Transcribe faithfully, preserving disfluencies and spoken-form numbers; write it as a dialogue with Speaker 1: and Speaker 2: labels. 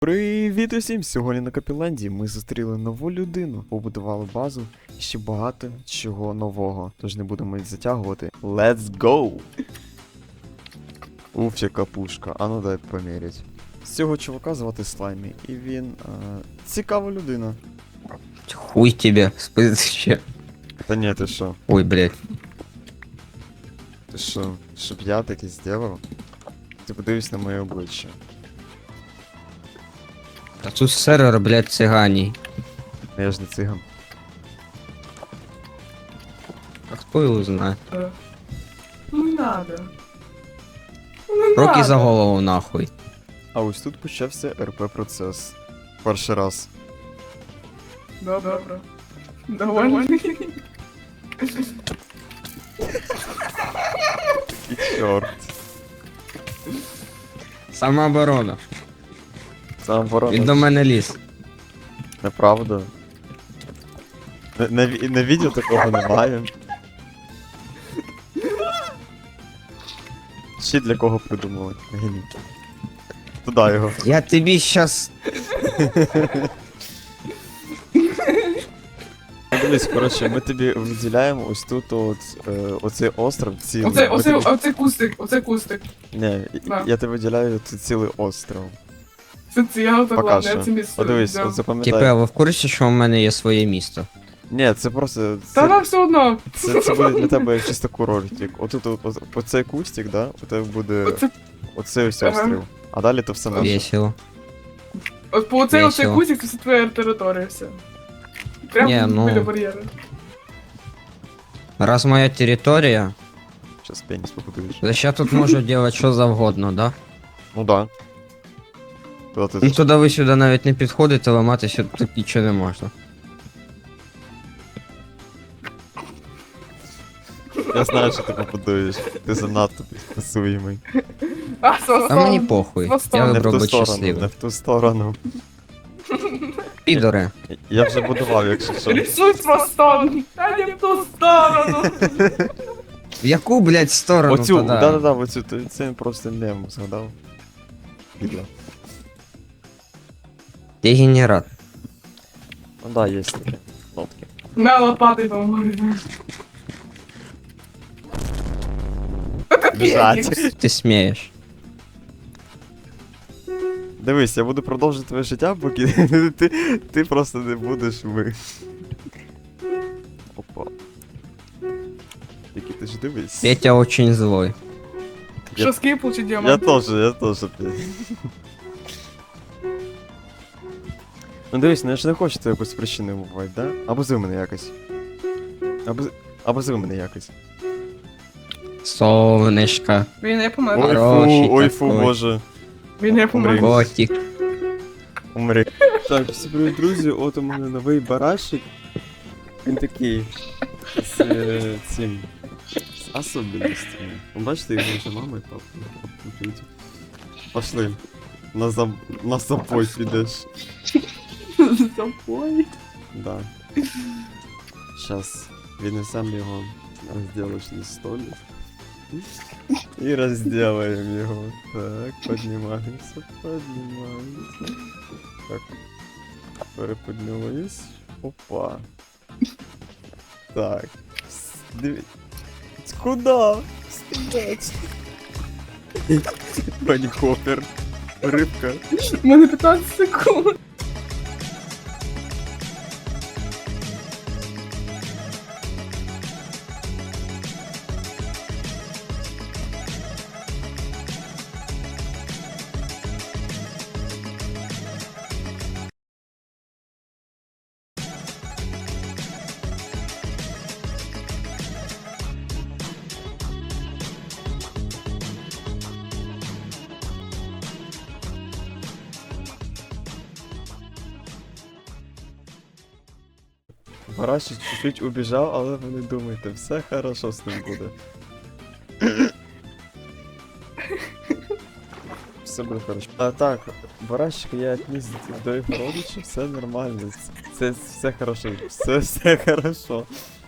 Speaker 1: Привіт усім! Сьогодні на Капіланді ми зустріли нову людину, побудували базу і ще багато чого нового. Тож не будемо їх затягувати. Let's go! Уф, яка пушка. А ну дай помірять. З цього чувака звати Слаймі, і він а, цікава людина.
Speaker 2: Хуй тебе, спызче.
Speaker 1: Та ні, ти що?
Speaker 2: Ой, блядь.
Speaker 1: Ти що? Щоб я таке зробив? Ти подивись на моє обличчя.
Speaker 2: А тут сервер, блядь, циганей.
Speaker 1: Я ж не циган.
Speaker 2: А кто его знает?
Speaker 3: Ну не надо. Ну не
Speaker 2: Руки
Speaker 3: надо.
Speaker 2: за голову нахуй.
Speaker 1: А ось тут почався РП процес. Перший раз.
Speaker 3: Добре. Довольний.
Speaker 1: І чорт.
Speaker 2: Самооборона.
Speaker 1: Сам ворона.
Speaker 2: Він до мене ліз.
Speaker 1: Неправда. На, на, ві- на відео такого немає. Ще для кого придумали? Геній. Туда його.
Speaker 2: Я тобі щас...
Speaker 1: Ну, дивись, коротше, ми тобі виділяємо ось тут от, е, оцей остров цілий.
Speaker 3: Оце,
Speaker 1: Ми
Speaker 3: оце,
Speaker 1: тобі-
Speaker 3: оце кустик, оце кустик.
Speaker 1: Ні, і-
Speaker 3: Да.
Speaker 1: я тобі виділяю тут цілий остров.
Speaker 3: Це це я так
Speaker 1: Поки
Speaker 3: ладно, я
Speaker 1: що.
Speaker 3: це місце.
Speaker 1: Подивись,
Speaker 3: взяв.
Speaker 1: от запам'ятай.
Speaker 2: Типа, ви в курсі, що в мене є своє місто?
Speaker 1: Ні, це просто.
Speaker 3: Та
Speaker 1: Це,
Speaker 3: нам все одно.
Speaker 1: це, це буде для тебе як чисто курортик. Отут, от, от, по цей кустик, да, у тебе буде
Speaker 3: Оце,
Speaker 1: оцей ось
Speaker 3: Ага.
Speaker 1: острів. А далі то все наше.
Speaker 2: Весело.
Speaker 3: от по оцей оцей
Speaker 2: Весело.
Speaker 3: кустик, це все твоя територія, все. Прямо
Speaker 2: Ні, ну-
Speaker 3: біля бар'єру.
Speaker 2: Раз моя територія,
Speaker 1: Щас пеніс побудуєш.
Speaker 2: то я тут можу делать що завгодно, да?
Speaker 1: Ну да. Куда ти?
Speaker 2: Ну туди ви сюди навіть не підходите, ламатися тут нічого не можна.
Speaker 1: Я знаю, що ти побудуєш. Ти занадто підписуємий.
Speaker 3: А, со,
Speaker 2: А мені похуй. Я
Speaker 3: Хвостом.
Speaker 1: Не в
Speaker 2: вибрав
Speaker 1: ту
Speaker 2: бути
Speaker 1: сторону, не
Speaker 2: щасливим.
Speaker 1: в ту сторону.
Speaker 2: Підори.
Speaker 1: Я вже будував, якщо що.
Speaker 3: Рисуй з хвостом. Та не в ту сторону.
Speaker 2: В яку, блядь, сторону
Speaker 1: Оцю,
Speaker 2: туди?
Speaker 1: да-да-да, оцю, то- це просто мем, згадав. Підло.
Speaker 2: Дегенерат.
Speaker 1: Ну да, є таке. Нотки.
Speaker 3: На лопати поможу.
Speaker 1: Біжать.
Speaker 2: Ти смієш.
Speaker 1: Дивись, я буду продовжувати твоє життя, поки ти, ти просто не будеш ми. Опа. Тільки ти ж дивись.
Speaker 2: Петя очень злой.
Speaker 3: Що скипл чи
Speaker 1: Я
Speaker 3: діамант?
Speaker 1: теж, я теж. Ну дивись, ну я ж не хочу тебе якось причиною бувати, да? Або зви мене якось. Або, або зви мене якось.
Speaker 2: Солнышко.
Speaker 3: Він не помер.
Speaker 1: Ой
Speaker 2: Хороший
Speaker 1: фу, ой фу,
Speaker 2: такой.
Speaker 1: боже.
Speaker 3: Він не помер.
Speaker 1: Умри.
Speaker 2: Котик.
Speaker 1: Умри. Так, всі привіт, друзі, от у мене новий барашик. Він такий. З е, цим. З особливостями. Ви бачите, його вже мама і папа. Пошли. На, заб... на запой підеш.
Speaker 3: Запой.
Speaker 1: Да. Сейчас віднесемо його на розділочний столик. І розділаємо його. Так, піднімаємося, піднімаємося. Так. Переподнялись. Опа. Так. Дивіться. Куда? Стоять. Пані Хоппер. Рибка.
Speaker 3: У мене п'ятнадцять секунд.
Speaker 1: Барашик чуть-чуть убіжав, але ви не думайте, все хорошо з ним буде. Все буде хорошо. А так, барашик я отніс до його родичів, все нормально. Це все хорошо. Все, все хорошо.